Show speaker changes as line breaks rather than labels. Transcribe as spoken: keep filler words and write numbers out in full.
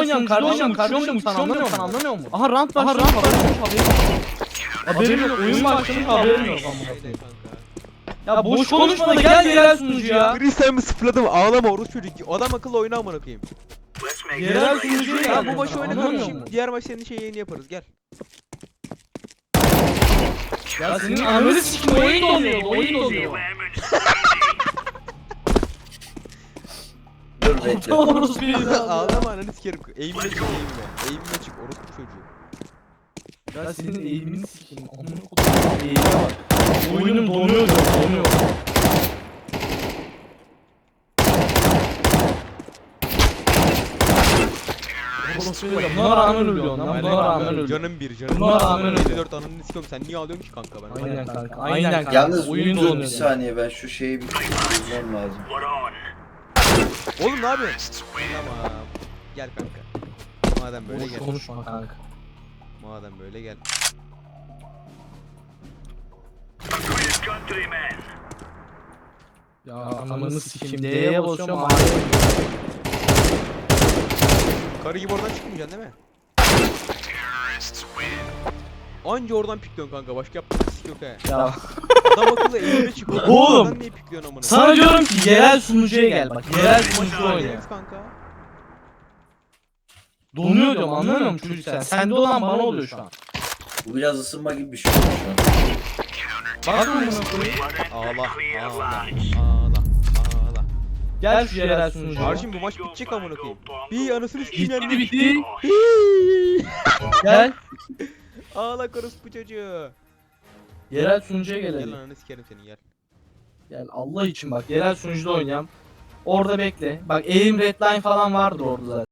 oynayalım kardeşim kardeşim sen anlamıyor musun anlamıyor musun? Aha rant var rant var haberim yok oyun başlamış haberim yok. Ya boş konuşma da gel yerel sunucu ya.
Kristal'ımı sıfırladım ağlama orospu çocuk. Adam akıllı oyna amına koyayım.
Yerel sunucu
Ya
ya
bu maçı
Anlamıyor
oynadım
musun?
şimdi diğer maç senin şey yayını yaparız gel.
Ya senin ananı sikim oyun donuyor oyun donuyor.
Dur bekle.
Orası bir
Ağlama ananı sikerim. Eğimle çık eğimle. Eğimle çık orospu çocuğu.
Ya senin eğimini sikeyim. Amına kodum eğime bak. Oyunum donuyor diyor, donuyor. Buna rağmen ölüyorsun lan. Buna rağmen ölüyorsun.
Canım bir canım.
Buna rağmen
yedi
ölüyor.
dört ananı sikiyorum sen niye ağlıyorsun ki kanka ben?
Aynen kanka. Aynen kanka.
Yalnız
oyun
dur bir
donuyor.
saniye ben şu şeyi bir çözmem lazım.
Oğlum ne yapıyorsun? Tamam. Gel kanka. Madem böyle
Boş
gel.
konuşma kanka.
Madem böyle gel.
Ya ananı sikeyim. D'ye basıyorum. A'ya
Karı gibi oradan çıkmayacaksın değil mi? Anca oradan pikliyorsun kanka başka yaptığın sik yok he.
Ya
Adam akıllı eğimle çık.
Oğlum!
Oradan niye pikliyorsun amına?
sana diyorum ki yerel sunucuya gel bak. Yerel sunucu oyna.
Evet kanka.
Donuyor diyorum anlamıyor musun çocuk sen? Sende olan bana oluyor şu an.
Bu biraz ısınma gibi bir şey oldu şu an.
Bak mı buna koyayım?
Ağla, ağla, ağla, ağla.
Gel şu yerel sunucuya.
Kardeşim bu maç bitecek amına koyayım. Bir anasını sikeyim
Bitti
yani.
bitti. Gel.
Ağla karıs bu çocuğu.
Yerel sunucuya gel
Gel
hadi.
ananı sikerim seni gel.
Gel Allah için bak yerel sunucuda oynayalım. Orada bekle. Bak aim redline falan vardır orada zaten.